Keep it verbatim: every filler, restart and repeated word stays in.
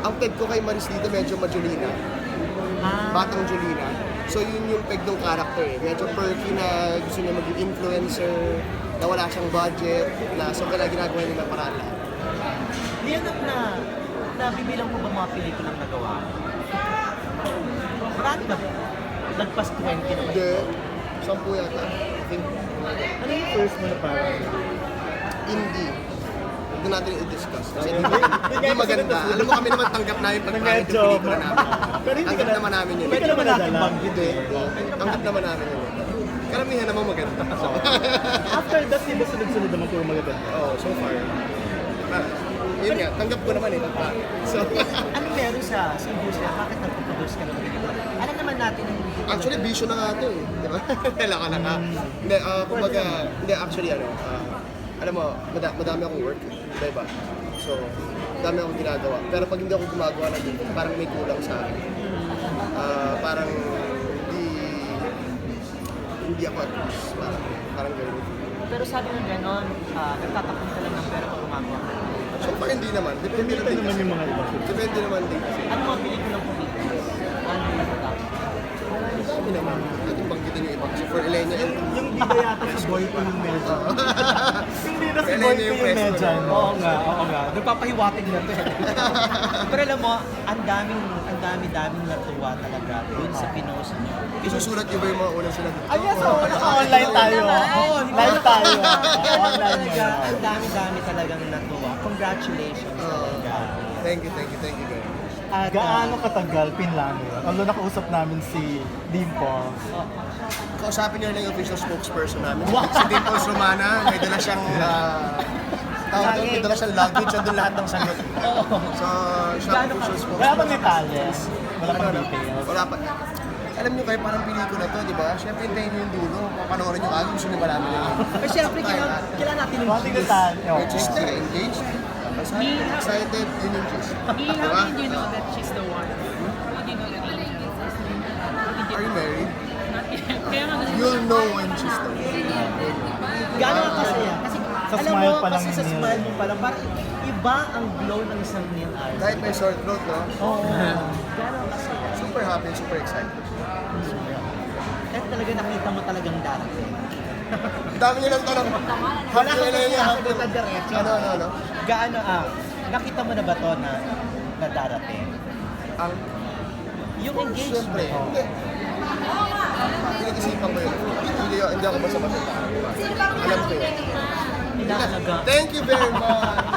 ang peg ko kay Maris dito medyo majulina. Ah. Batang Julina. So yun yung peg ng character eh. Medyo perky na gusto niya maging influencer, na wala siyang budget, na so kaya ginagawa niya ng paraan lahat. Lianap na, nabibilang ko ba mga pelikulang nagawa? Marami ba? Lagpas twenty na ba? Hindi. Sampu yata. I think. Ano yung first mo na parang? Indie. Huwag natin i-discuss. Kasi hindi, hindi maganda. Alam mo kami naman tanggap namin pag pangit yung pelikula namin. Pero hindi ka Tanggap na- naman namin yun. Hindi ka naman natin nadala. banggit eh. Tanggap naman namin yun. Karamihan naman maganda. So, After that, di ba sunod-sunod naman puro magaganda? oh, so far. Ah, yun nga, tanggap ko naman eh. pag pangit. So, Ano meron sa, sa industriya? Bakit nagpo-produce ka ng pelikula? Alam naman natin ang actually, vision na nga ito eh. Di ba? Kailangan ka na ka. Hindi, ah, kumbaga, hindi, actually, ano, ah, alam mo, mada- madami akong work eh. Diba? So, madami akong ginagawa. Pero pag hindi ako gumagawa ng ganito, parang may kulang sa akin. Ah, parang hindi, hindi ako at peace. Parang, parang gano'n. Pero sabi ng ganon, uh, nagtatakong ka lang ng pera pag gumagawa ka. So, parang hindi naman. Depende Depende din naman kasi. yung mga iba. Depende naman din kasi. Ano mga pelikulang kumita? Ano yung natatapos? Sabi naman, natin banggitin yung iba kasi for Elenia and Yung di ba yata si Boy ko yung medyo? Hindi na si Kailan Boy niya ko yung yung presto, medyo. no? Oo nga, oo nga. Nagpapahiwatig na to eh. Pero alam mo, ang daming, ang dami-daming natuwa talaga dun sa pinost niyo. isusulat niyo ba yung mga unang sinabi? Ay, yes, so, naka-online tayo. Oo, Live tayo. Online Talaga, yun. ang dami-dami talagang natuwa. Congratulations talaga. Thank you, thank you, thank you guys. At, Gaano katagal pinlano yun? Although nakausap namin si Dimple. Kausapin niyo lang yung official spokesperson namin. Si Dimples Romana, may dala siyang uh, tawag doon, may dala siyang luggage, andun lahat ng sagot. So, siya ang Gaano ka- official Wala spokesperson. pang detalles. Wala pang Ano, details. Wala pa. Alam niyo kayo, parang pelikula to, di ba? Siyempre, hintayin niyo yung dulo. Papanoorin niyo kagad, gusto niyo ba namin yun? Pero syempre, kailangan, kailangan natin yung Konting gist. detalye. Which is na, engaged. Excited, yun yung gist. He, Di ba? how did you know that she's the one? How did you know that? Are you married? Kaya nga ganun. You'll know when she's the one. Gano'n ka kasaya? Kasi, Sa alam smile mo, pa lang kasi ni sa Neil. smile mo pa lang, parang iba ang glow ng isang Neil Arce. Kahit may sore throat, no? Oo. Gano'n kasaya? Super happy, super excited. Kahit talaga nakita mo talagang darating. Ang dami niyo lang tanong. Wala Happy kang na yun, happy punta diretso. Ano, ano, ano? Gaano ah, nakita mo na ba to na, na darating? Ang Yung engagement. Siyempre, hindi. Pinag-isipan ko yun. Hindi, hindi ako basta-basta. Alam ko yun. Inahalaga. Thank you very much!